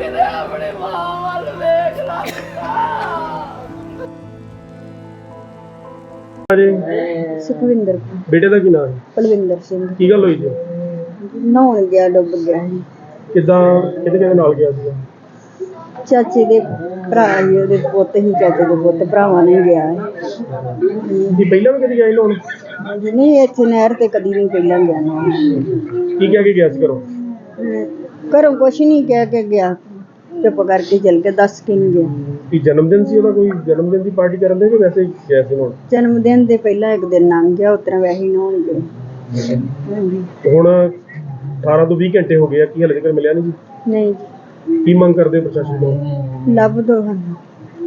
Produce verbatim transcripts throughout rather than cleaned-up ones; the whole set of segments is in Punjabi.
ਕਿਤੇ ਆਪਣੇ ਮਾਂ ਵੱਲ ਵੇਖ ਲਾ ਜੀ ਸੁਖਵਿੰਦਰ ਬੇਟੇ ਦਾ ਕੀ ਨਾਮ ਹੈ? ਪਲਵਿੰਦਰ ਸਿੰਘ ਕੀ ਗੱਲ ਹੋਈ ਜੀ? ਨਹਾਉਣ ਗਿਆ, ਡੁੱਬ ਗਿਆ ਸੀ। ਕਿੱਦਾਂ ਕਿਹਦੇ ਕਿਹਦੇ ਨਾਲ ਗਿਆ ਸੀ? ਚਾਚੇ ਦੇ ਭਰਾ ਜੀ, ਉਹਦੇ ਪੁੱਤ ਹੀ, ਚਾਚੇ ਦੇ ਪੁੱਤ ਭਰਾਵਾਂ ਨੇ ਗਿਆ ਹੈ। ਕੀ ਪਹਿਲਾਂ ਵੀ ਕਦੀ ਗਿਆ ਸੀ ਲੋਨ? ਨਹੀਂ, ਇੱਥੇ ਨਹਿਰ ਤੇ ਕਦੀ ਨਹੀਂ ਪਹਿਲਾਂ ਗਿਆ ਨਾ। ਕੀ ਕਹਿ ਕੇ ਗਿਆ ਸੀ ਘਰੋਂ? ਘਰੋਂ ਕੁਛ ਨਹੀਂ ਕਹਿ ਕੇ ਗਿਆ, ਚੁੱਪ ਕਰਕੇ ਚਲ ਕੇ, ਦੱਸ ਕੇ ਨਹੀਂ ਗਿਆ। ਕੀ ਜਨਮ ਦਿਨ ਸੀ ਉਹਦਾ? ਕੋਈ ਜਨਮ ਦਿਨ ਦੀ ਪਾਰਟੀ ਕਰਨ ਦੇ ਕਿ ਵੈਸੇ ਹੀ ਗਿਆ ਸੀ ਹੁਣ? ਜਨਮ ਦਿਨ ਦੇ ਪਹਿਲਾਂ ਇੱਕ ਦਿਨ ਲੰਘ ਗਿਆ, ਉਸ ਤਰ੍ਹਾਂ ਵੈਸੇ ਹੀ ਨਹਾਉਣ ਗਏ। ਹਾਂਜੀ। ਹੁਣ ਅਠਾਰਾਂ ਤੋਂ ਵੀਹ ਘੰਟੇ ਹੋ ਗਏ ਆ, ਕੀ ਹਾਲੇ ਤੱਕ ਮਿਲਿਆ ਨਹੀਂ ਜੀ? ਨਹੀਂ ਜੀ। ਕੀ ਮੰਗ ਕਰਦੇ ਪ੍ਰਸ਼ਾਸਨ ਤੋਂ? ਲੱਭ ਦੋ ਸਾਨੂੰ।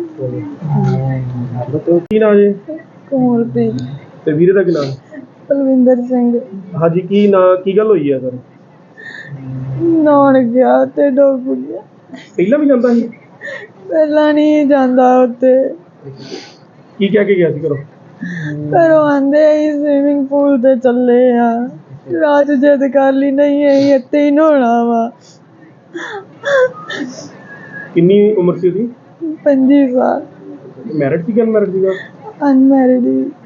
ਕੀ ਨਾਮ ਜੀ? ਕੋਮਲਪ੍ਰੀਤ। ਤੇ ਵੀਰੇ ਦਾ ਕੀ ਨਾਮ? ਪਲਵਿੰਦਰ ਸਿੰਘ। ਹਾਂਜੀ, ਕੀ ਨਾਂ, ਕੀ ਗੱਲ ਹੋਈ ਆ ਸਰ? ਨਹਾਉਣ ਗਿਆ ਤੇ ਡੁੱਬ ਗਿਆ। ਪਹਿਲਾਂ ਵੀ ਜਾਂਦਾ ਸੀ? ਪਹਿਲਾਂ ਨਹੀਂ ਜਾਂਦਾ ਉੱਥੇ। ਕੀ ਕਹਿ ਕੇ ਗਿਆ ਸੀ ਘਰੋਂ? ਘਰੋਂ ਆਂਦੇ ਅਸੀਂ ਸਵਿਮਿੰਗ ਪੂਲ ਤੇ ਚੱਲੇ ਆ, ਰਾਤ ਜਿੱਦ ਕਰ ਲਈ ਨਹੀਂ ਅਸੀਂ ਇੱਥੇ ਹੀ ਨਹਾਉਣਾ ਵਾ। ਕਿੰਨੀ ਉਮਰ ਸੀ ਉਹਦੀ? ਪੰਜੀ ਸਾਲ। ਮੈਰਿਡ ਸੀ ਕਿ ਅਨਮੈਰਿਡ ਸੀਗਾ? ਅਨਮੈਰਿਡ।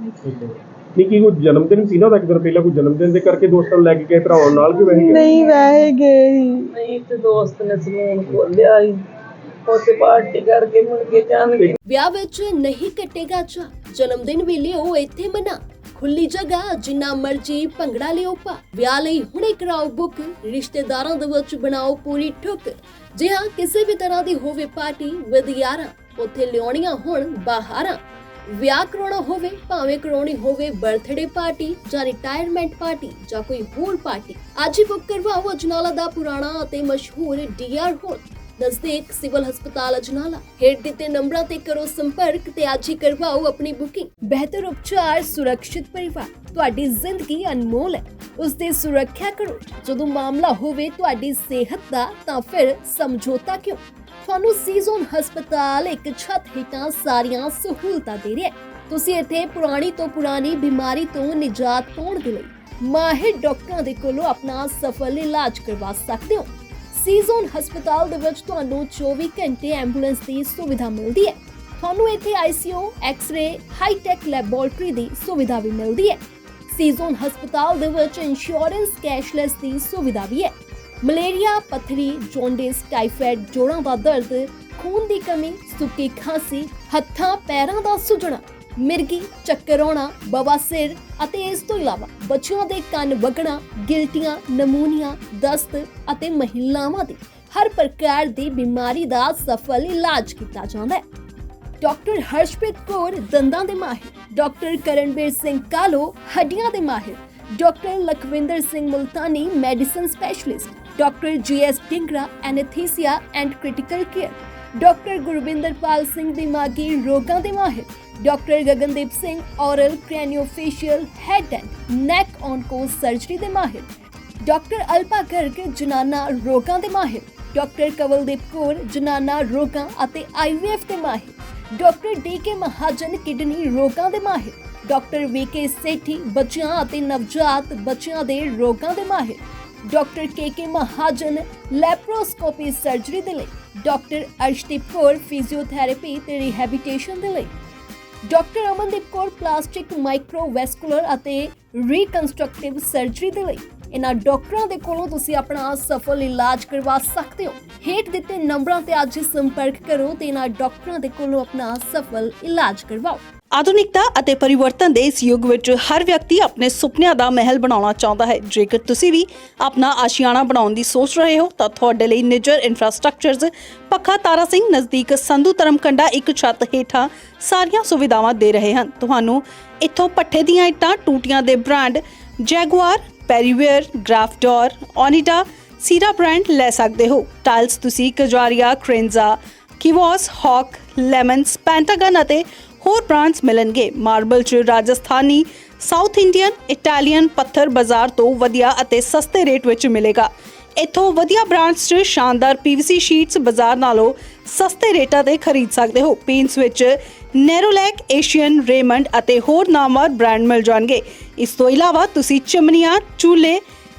ਨਹੀਂ, ਕੀ ਕੋਈ ਜਨਮ ਦਿਨ ਸੀ ਨਾ ਉਹਦਾ? ਇੱਕ ਦਿਨ ਪਹਿਲਾਂ ਕੋਈ ਜਨਮ ਦਿਨ ਦੇ ਕਰਕੇ ਦੋਸਤਾਂ ਨੂੰ ਲੈ ਕੇ ਗਏ, ਭਰਾਵਾਂ ਨਾਲ ਕਿ ਵੈਸੇ? ਨਹੀਂ, ਵੈਸੇ ਗਏ ਸੀ। ਨਹੀਂ ਤੇ ਦੋਸਤ ਨੇ ਸਲੂਨ ਖੋਲਿਆ ਸੀ, ਉੱਥੇ ਪਾਰਟੀ ਕਰਕੇ ਮੁੜ ਕੇ ਜਾਣਗੇ। ਵਿਆਹ ਵਿੱਚ ਨਹੀਂ ਕੱਟੇਗਾ ਚਾਅ, ਜਨਮ ਦਿਨ ਵੇਲੇ ਉਹ ਇੱਥੇ ਮਨਾ, ਖੁੱਲੀ ਜਗ੍ਹਾ ਜਿੰਨਾ ਮਰਜੀ ਭੰਗੜਾ ਲਿਓ ਪਾ। ਵਿਆਹ ਲਈ ਹੁਣੇ ਕਰਾਓ ਬੁੱਕ, ਰਿਸ਼ਤੇਦਾਰਾਂ ਦੇ ਵਿੱਚ ਬਣਾਓ ਪੂਰੀ ਠੁੱਕ। ਜੇ ਹਾਂ ਕਿਸੇ ਵੀ ਤਰ੍ਹਾਂ ਦੀ ਹੋਵੇ ਪਾਰਟੀ ਵਿਦ ਯਾਰਾਂ, ਉੱਥੇ ਲਿਆਉਣੀਆਂ ਹੁਣ ਬਾਹਰਾਂ। ਵਿਆਹ ਕਰਾਉਣਾ ਹੋਵੇ ਭਾਵੇਂ ਕਰਾਉਣੀ ਹੋਵੇ ਬਰਥਡੇ ਪਾਰਟੀ ਜਾਂ ਰਿਟਾਇਰਮੈਂਟ ਪਾਰਟੀ ਜਾਂ ਕੋਈ ਹੋਰ ਪਾਰਟੀ, ਅੱਜ ਹੀ ਬੁੱਕ ਕਰਵਾਓ ਅਜਨਾਲਾ ਦਾ ਪੁਰਾਣਾ ਅਤੇ ਮਸ਼ਹੂਰ ਡੀ ਆਰ ਹਾਲ, ਨਜ਼ਦੀਕ ਸਿਵਲ ਹਸਪਤਾਲ ਅਜਨਾਲਾ। ਹੇਠ ਦਿੱਤੇ ਨੰਬਰਾਂ ਤੇ ਕਰੋ ਸੰਪਰਕ ਤੇ ਅੱਜ ਹੀ ਕਰਵਾਓ ਆਪਣੀ ਬੁਕਿੰਗ। ਬਿਹਤਰ ਉਪਚਾਰ, ਸੁਰੱਖਿਅਤ ਪਰਿਵਾਰ। ਤੁਹਾਡੀ ਜ਼ਿੰਦਗੀ ਅਨਮੋਲ ਹੈ, ਉਸ ਦੀ ਸੁਰੱਖਿਆ ਕਰੋ। ਜਦੋਂ ਮਾਮਲਾ ਹੋਵੇ ਤੁਹਾਡੀ ਸਿਹਤ ਦਾ ਤਾਂ ਫਿਰ ਸਮਝੌਤਾ ਕਿਉਂ? ਤੁਹਾਨੂੰ ਸੀਜ਼ਨ ਹਸਪਤਾਲ ਇੱਕ ਛੱਤ ਹੇਠਾਂ ਸਾਰੀਆਂ ਸਹੂਲਤਾਂ ਦੇ ਰਿਹਾ ਹੈ। ਤੁਸੀਂ ਇੱਥੇ ਪੁਰਾਣੀ ਤੋਂ ਪੁਰਾਣੀ ਬਿਮਾਰੀ ਤੋਂ ਨਿਜਾਤ ਪਾਉਣ ਦੇ ਲਈ ਮਾਹਿਰ ਡਾਕਟਰਾਂ ਦੇ ਕੋਲੋਂ ਆਪਣਾ ਸਫਲ ਇਲਾਜ ਕਰਵਾ ਸਕਦੇ ਹੋ। ਸੀਜ਼ਨ ਹਸਪਤਾਲ ਦੇ ਵਿੱਚ ਤੁਹਾਨੂੰ ਚੌਵੀ ਘੰਟੇ ਐਂਬੂਲੈਂਸ ਦੀ ਸੁਵਿਧਾ ਮਿਲਦੀ ਹੈ। ਤੁਹਾਨੂੰ ਇੱਥੇ I C U, x ray, hi tech laboratory ਦੀ ਸੁਵਿਧਾ ਵੀ ਮਿਲਦੀ ਹੈ। ਸੀਜ਼ਨ ਹਸਪਤਾਲ ਦੇ ਵਿੱਚ ਇੰਸ਼ੋਰੈਂਸ ਕੈਸ਼ਲੈਸ ਦੀ ਸੁਵਿਧਾ ਵੀ ਹੈ। ਮਲੇਰੀਆ, ਪੱਥਰੀ, ਜੌਂਡਿਸ, ਟਾਈਫਾਇਡ, ਜੋੜਾਂ ਦਾ ਦਰਦ, ਖੂਨ ਦੀ ਕਮੀ, ਸੁੱਕੀ ਖਾਂਸੀ, ਹੱਥਾਂ ਪੈਰਾਂ ਦਾ ਸੁੱਜਣਾ, ਮਿਰਗੀ, ਚੱਕਰ ਆਉਣਾ, ਬਵਾਸੀਰ ਅਤੇ ਇਸ ਤੋਂ ਇਲਾਵਾ ਬੱਚਿਆਂ ਦੇ ਕੰਨ ਵਗਣਾ, ਗਿਲਟੀਆਂ, ਨਮੂਨੀਆ, ਦਸਤ ਅਤੇ ਮਹਿਲਾਵਾਂ ਦੀ ਹਰ ਪ੍ਰਕਾਰ ਦੀ ਬਿਮਾਰੀ ਦਾ ਸਫਲ ਇਲਾਜ ਕੀਤਾ ਜਾਂਦਾ ਹੈ। ਡਾਕਟਰ ਹਰਸ਼ਪ੍ਰੀਤ ਕੌਰ ਦੰਦਾਂ ਦੇ ਮਾਹਿਰ, ਡਾਕਟਰ ਕਰਨਵੀਰ ਸਿੰਘ ਕਾਲੋ ਹੱਡੀਆਂ ਦੇ ਮਾਹਿਰ, doctor Lakhwinder Singh Multani medicine specialist, doctor G S Dhingra anaesthesia and critical care, doctor Gurwinderpal Singh ਦਿਮਾਗੀ ਰੋਗਾਂ ਦੇ ਮਾਹਿਰ, doctor Gagandeep Singh oral craniofacial head and neck onco surgery ਦੇ ਮਾਹਿਰ, ਡਾਕਟਰ ਅਲਪਾ ਗਰਗ ਜਨਾਨਾ ਰੋਗਾਂ ਦੇ ਮਾਹਿਰ, ਡਾਕਟਰ ਕਵਲਦੀਪ ਕੌਰ ਜਨਾਨਾ ਰੋਗਾਂ ਅਤੇ ਆਈ ਵੀ ਐਫ ਦੇ ਮਾਹਿਰ, doctor D K Mahajan kidney ਰੋਗਾਂ ਦੇ ਮਾਹਿਰ, ਡਾਕਟਰ ਵੀ ਕੇ ਸੇਠੀ ਬੱਚਿਆਂ ਅਤੇ ਨਵਜਾਤ ਬੱਚਿਆਂ ਦੇ ਰੋਗਾਂ ਦੇ ਮਾਹਿਰ, doctor K K Mahajan laparoscopy surgery ਦੇ ਲਈ, ਡਾਕਟਰ ਅਰਸ਼ਦੀਪ ਕੌਰ ਫਿਜ਼ੀਓਥੈਰੇਪੀ ਤੇ ਰਿਹੈਬਿਲਿਟੇਸ਼ਨ ਦੇ ਲਈ, doctor Amandeep Kaur plastic microvascular ਅਤੇ ਰੀਕਨਸਟਰਕਟਿਵ ਸਰਜਰੀ ਦੇ ਲਈ। ਇਹਨਾਂ ਡਾਕਟਰਾਂ ਦੇ ਕੋਲੋਂ ਤੁਸੀਂ ਆਪਣਾ ਸਫਲ ਇਲਾਜ ਕਰਵਾ ਸਕਦੇ ਹੋ। ਹੇਠ ਦਿੱਤੇ ਨੰਬਰਾਂ ਤੇ ਅੱਜ ਸੰਪਰਕ ਕਰੋ ਤੇ ਇਹਨਾਂ ਡਾਕਟਰਾਂ ਦੇ ਕੋਲੋਂ ਆਪਣਾ ਸਫਲ ਇਲਾਜ ਕਰਵਾਓ। ਆਧੁਨਿਕਤਾ ਅਤੇ ਪਰਿਵਰਤਨ ਦੇ ਇਸ ਯੁੱਗ ਵਿੱਚ ਹਰ ਵਿਅਕਤੀ ਆਪਣੇ ਸੁਪਨਿਆਂ ਦਾ ਮਹਿਲ ਬਣਾਉਣਾ ਚਾਹੁੰਦਾ ਹੈ। ਜੇਕਰ ਤੁਸੀਂ ਵੀ ਆਪਣਾ ਆਸ਼ੀਆਣਾ ਬਣਾਉਣ ਦੀ ਸੋਚ ਰਹੇ ਹੋ ਤਾਂ ਤੁਹਾਡੇ ਲਈ ਨਿੱਜਰ ਇਨਫਰਾਸਟ੍ਰਕਚਰਜ਼ ਪੱਖਾ ਤਾਰਾ ਸਿੰਘ ਨਜ਼ਦੀਕ ਸੰਧੂ ਧਰਮਕੰਡਾ ਇੱਕ ਛੱਤ ਹੇਠਾਂ ਸਾਰੀਆਂ ਸੁਵਿਧਾਵਾਂ ਦੇ ਰਹੇ ਹਨ। ਤੁਹਾਨੂੰ ਇੱਥੋਂ ਪੱਠੇ ਦੀਆਂ ਇੱਟਾਂ, ਟੂਟੀਆਂ ਦੇ ਬ੍ਰਾਂਡ ਜੈਗੁਆਰ, ਪੈਰੀਵੇਅਰ, ਗ੍ਰਾਫਡੋਰ, ਓਨੀਡਾ, ਸੀਰਾ ਬ੍ਰਾਂਡ ਲੈ ਸਕਦੇ ਹੋ। ਟਾਈਲਸ ਤੁਸੀਂ ਕਜਾਰੀਆ, ਕ੍ਰੇਨਜ਼ਾ, ਕਿਵੋਸ, ਹੌਕ, ਲੈਮਨਸ, ਪੈਂਟਾਗਨ ਅਤੇ ਹੋਰ ਬ੍ਰਾਂਡਸ ਮਿਲਣਗੇ। ਮਾਰਬਲ 'ਚ ਰਾਜਸਥਾਨੀ, ਸਾਊਥ ਇੰਡੀਅਨ, ਇਟਾਲੀਅਨ ਪੱਥਰ ਬਾਜ਼ਾਰ ਤੋਂ ਵਧੀਆ ਅਤੇ ਸਸਤੇ ਰੇਟ ਵਿੱਚ ਮਿਲੇਗਾ। ਇੱਥੋਂ ਵਧੀਆ ਬ੍ਰਾਂਡਸ 'ਚ ਸ਼ਾਨਦਾਰ ਪੀਵੀਸੀ ਸ਼ੀਟਸ ਬਾਜ਼ਾਰ ਨਾਲੋਂ ਸਸਤੇ ਰੇਟਾਂ ਤੇ ਖਰੀਦ ਸਕਦੇ ਹੋ। ਪੇਂਟਸ ਵਿੱਚ ਨੈਰੋਲੈਕ, ਏਸ਼ੀਅਨ, ਰੇਮੰਡ ਅਤੇ ਹੋਰ ਨਾਮਵਰ ਬ੍ਰਾਂਡ ਮਿਲ ਜਾਣਗੇ। ਇਸ ਤੋਂ ਇਲਾਵਾ ਤੁਸੀਂ ਚਿਮਨੀਆਂ, ਚੂਲੇ,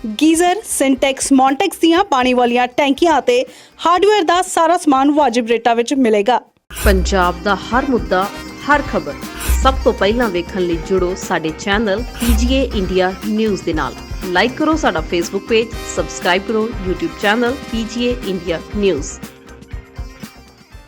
ਗੀਜ਼ਰ, ਸਿੰਟੈਕਸ, ਮੌਂਟੈਕਸ ਦੀਆਂ ਪਾਣੀ ਵਾਲੀਆਂ ਟੈਂਕੀਆਂ ਅਤੇ ਹਾਰਡਵੇਅਰ ਦਾ ਸਾਰਾ ਸਮਾਨ ਵਾਜਿਬ ਰੇਟਾਂ ਵਿੱਚ ਮਿਲੇਗਾ। ਪੰਜਾਬ ਦਾ ਹਰ ਮੁੱਦਾ, ਹਰ ਖਬਰ ਸਭ ਤੋਂ ਪਹਿਲਾਂ ਵੇਖਣ ਲਈ ਜੁੜੋ ਸਾਡੇ ਚੈਨਲ ਪੀਜੀਏ ਇੰਡੀਆ ਨਿਊਜ਼ ਦੇ ਨਾਲ। ਲਾਈਕ ਕਰੋ ਸਾਡਾ ਫੇਸਬੁੱਕ ਪੇਜ, ਸਬਸਕ੍ਰਾਈਬ ਕਰੋ YouTube channel PGA India news.